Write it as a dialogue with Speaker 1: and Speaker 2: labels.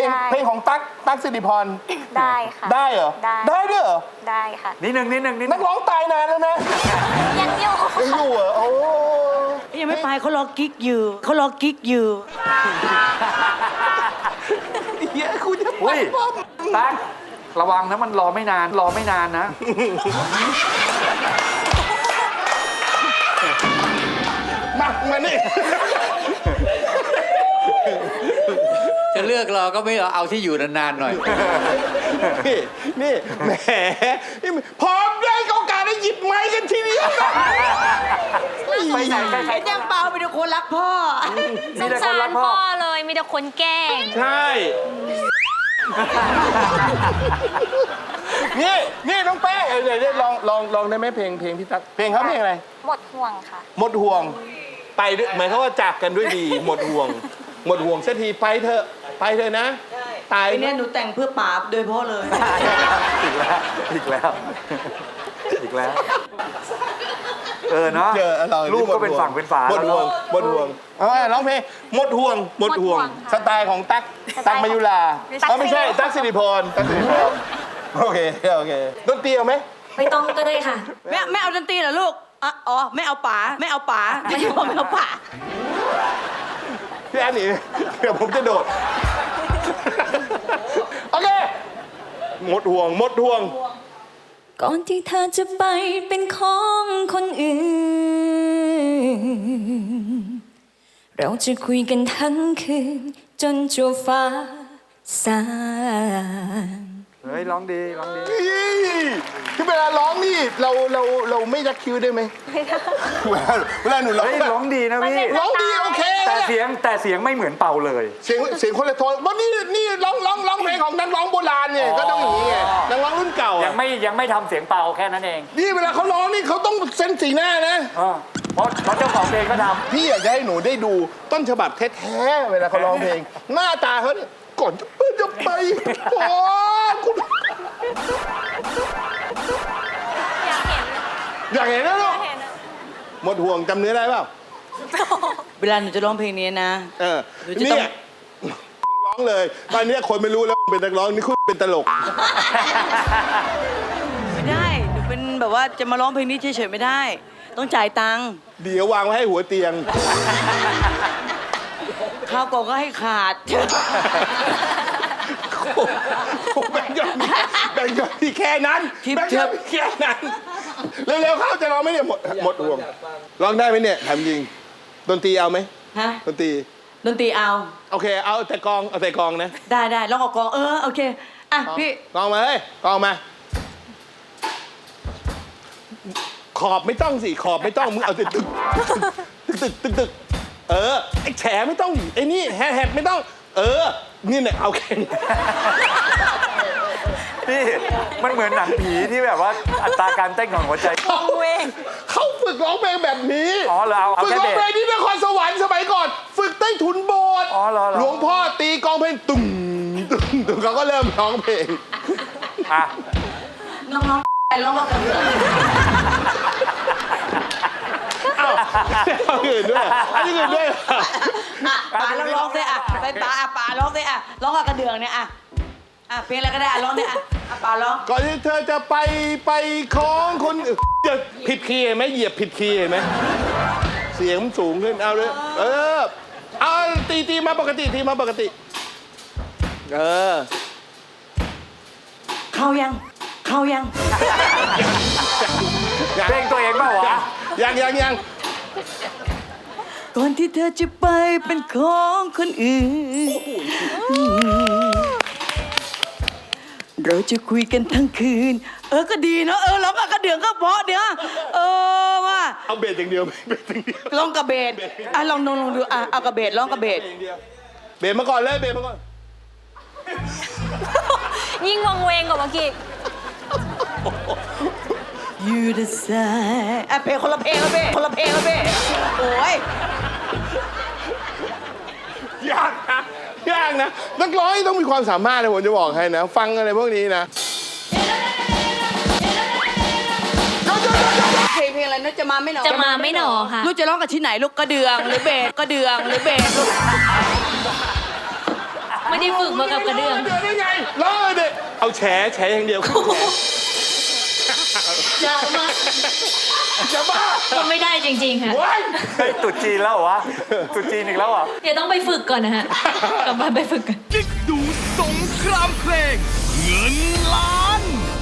Speaker 1: เพลงของตั๊กสิริพร
Speaker 2: ได้ค่ะ
Speaker 1: ได้เหรอได้ด้วยเหรอ
Speaker 2: ได้ค่ะ
Speaker 3: นิดนึง
Speaker 1: นักร้องตายนานแล้วนะ
Speaker 2: ยังอยู่
Speaker 1: เหรอโอ้
Speaker 4: ยังไม่ไปเขารอกิ๊กอยู่เขารอกิ๊กอยู่
Speaker 1: เฮียคุณจะไป
Speaker 3: อุ้ยตั๊กระวังนะมันรอไม่นานนะ
Speaker 1: มานี่
Speaker 5: จะเลือกเราก็ไม่เอาที่อยู่นานๆหน่อย
Speaker 1: นี่แหมพร้อมได้โอกาสได้หยิบไม้กันทีเดียว
Speaker 3: ไปไหนใคร
Speaker 4: ไอ้แจ้งเปล่าเป็นคนรักพ่อ
Speaker 2: สงสารพ่อเลยมีแต่คนแกล้ง
Speaker 1: ใช่นี่น้องแป้เดี๋ยวลองได้ไหมเพลงพี่ตั๊กเพลงเขาเพลงอะไร
Speaker 2: หมดห่วงค่ะ
Speaker 1: หมดห่วงไปด้วยหมายความว่าจากกันด้วยดี หมดห่วงสักทีไปเถอะนะตาย
Speaker 4: ไอ้เนี่ยหนูแต่งเพื่อป๋าโดยเฉพาะเลย
Speaker 3: อีกแล้วเนาะ
Speaker 1: เจอเรา
Speaker 3: ลูกก็เป็นฝั่งเป็นฝา
Speaker 1: หมดห่วง
Speaker 3: แล้ว
Speaker 1: หมดห่วงเอาไว้ร้องเพลงหมดห่วงสไตล์ของตั๊กมายุราไม่ใช่ตั๊กสิริพรโอเคดนตรีเอาไหม
Speaker 2: ไม่ต้องก็ได้ค่ะ
Speaker 4: ไม่เอาดนตรีเหรอลูกอ๋อไม่เอาป๋าไม่เอาป๋า
Speaker 1: พี่แอนนี่เดี๋ยวผมจะโดดโอเคหมดห่วง
Speaker 6: ก่อนที่เธอจะไปเป็นของคนอื่นเราจะคุยกันทั้งคืนจนจัวฟ้าสาง
Speaker 3: เฮ้ยร้องดี
Speaker 1: ที่เวลาร้องนี่เราไม่ยักคิ้วได้ไหมเวลาหนูร้อง
Speaker 3: เฮ้ยร้องดีนะพี่
Speaker 1: ร้องดีโอเค
Speaker 3: แต่เสียงไม่เหมือนเป่าเลย
Speaker 1: เสียงคนละโทนว่านี่ร้องเพลงของนักร้องโบราณเนี่ยก็ต้องอย่างนี้ไงนักร้องรุ่นเก่า
Speaker 3: ยังไม่ทำเสียงเป่าแค่นั้นเอง
Speaker 1: นี่เวลาเขาร้องนี่เขาต้องเส้นสีหน้านะ
Speaker 3: เพราะเจ้าของเพลงก็ทำ
Speaker 1: พี่อยากจะให้หนูได้ดูต้นฉบับแท้ๆเวลาเขาร้องเพลงหน้าตาเขาเนี่ยก่อนจะไปโอ้คุณอยากเห็นนะลูกหมดห่วงจำเนื้อได้เปล่า
Speaker 4: เวลาหนูจะร้องเพลงนี้นะหนูจะต้อง
Speaker 1: ร้องเลยตอนนี้คนไม่รู้แล้วเป็นนักร้องนี่คุณเป็นตลก
Speaker 4: ไม่ได้หนูเป็นแบบว่าจะมาร้องเพลงนี้เฉยๆไม่ได้ ต้องจ่ายตังค์
Speaker 1: เดี๋ยววางไว้ให้หัวเตียง
Speaker 4: ข้าวกล่องก็ให้ขาด
Speaker 1: แบ่งยอดที่แค่นั้นแบ่งยอดแค่นั้นเร็วๆเข้าจะร้องไหมเนี่ยหมดห่วงร้องได้ไหมเนี่ยถามจริงดนตรีเอาไหม
Speaker 4: ฮะ
Speaker 1: ดนตรี
Speaker 4: เอา
Speaker 1: โอเคเอาแต่กลองนะ
Speaker 4: ได้ร้องเอากลองโอเคอ่ะพี่
Speaker 1: กลองมาเลยกลองมาขอบไม่ต้องสิขอบไม่ต้องมึงเอาตึกไอ้แฉไม่ต้องไอ้นี่แฮดไม่ต้องนี่เนี่ยเอาแค่นี้
Speaker 3: พี่มันเหมือนหนังผีที่แบบว่าอัตราการเต้นของหัวใจ
Speaker 1: เขาฝึกร้องเพลงแบบนี้
Speaker 3: เอา
Speaker 1: ฝึกร้องเพลงที่นครสวรรค์สมัยก่อนฝึกใต้ถุนโบสถ์หลวงพ่อตีกลองเพลงตุ้มเขาก็เริ่มร้องเพลง
Speaker 4: น้องๆร้องกันเลย
Speaker 1: เอาอื่นด้วยอันนี้อื่นด้วย
Speaker 4: ป๋าร้องสิไปป๋าร้องสิร้องกับกระเดื่องเนี่ยเพลงอะไรก็ได้ร้องเนี่ยป๋าร้อง
Speaker 1: ก่อนที่เธอจะไปของคนจะผิดคีย์ไหมเหยียบผิดคีย์ไหมเสียงสูงขึ้นเอาเลยเอาตีมาปกติ
Speaker 4: เข้ายัง
Speaker 3: เพลงตัวเองเปล่าวะ
Speaker 1: ยัง
Speaker 4: ก่อนที่เธอจะไปเป็นของคนอื่นเราจะคุยกันทั้งคืนก็ดีเนาะร้องกับกระเดื่องก็เพราะเดี๋ยวว่า
Speaker 1: เอาเบสอย่างเดียว
Speaker 4: ร้องกับเบสลองดูเอากับเบสร้องกับเบส
Speaker 1: เบสมาก่อนเลยเบสมาก่อน
Speaker 2: ยิ่งวังเวงกว่าเมื่อกี้
Speaker 4: You decide เพลงคนละเพลงแล้วเบ้โอ้ย
Speaker 1: ยากนะนักร้องต้องมีความสามารถนะผมจะบอกให้นะฟังอะไรพวกนี้นะ
Speaker 4: เพลงอะไรนะจะมาไม่หน
Speaker 2: อค่ะ
Speaker 4: ลูกจะร้องกับที่ไหนลูกกระเดืองหรือเบสลูก
Speaker 2: ไม่ได้ฝึกมากับกระเดื่อง
Speaker 1: เดือได้ไงร้องเลยเอาแฉอย่างเดียวขึ้นแฉ
Speaker 2: จะมา
Speaker 1: จะบ้า
Speaker 2: ก็ไม่ได้จริงๆค่ะ
Speaker 1: ว้าย
Speaker 3: เฮ้ยตุดจีนแล้วเหรอวะตุดจีนอีกแล้วเหรอ
Speaker 2: เดี๋ยวต้องไปฝึกก่อนนะฮะ กลับบ้านไปฝึกกัน
Speaker 7: กิ๊กดูสงครามเพลง เงินล้าน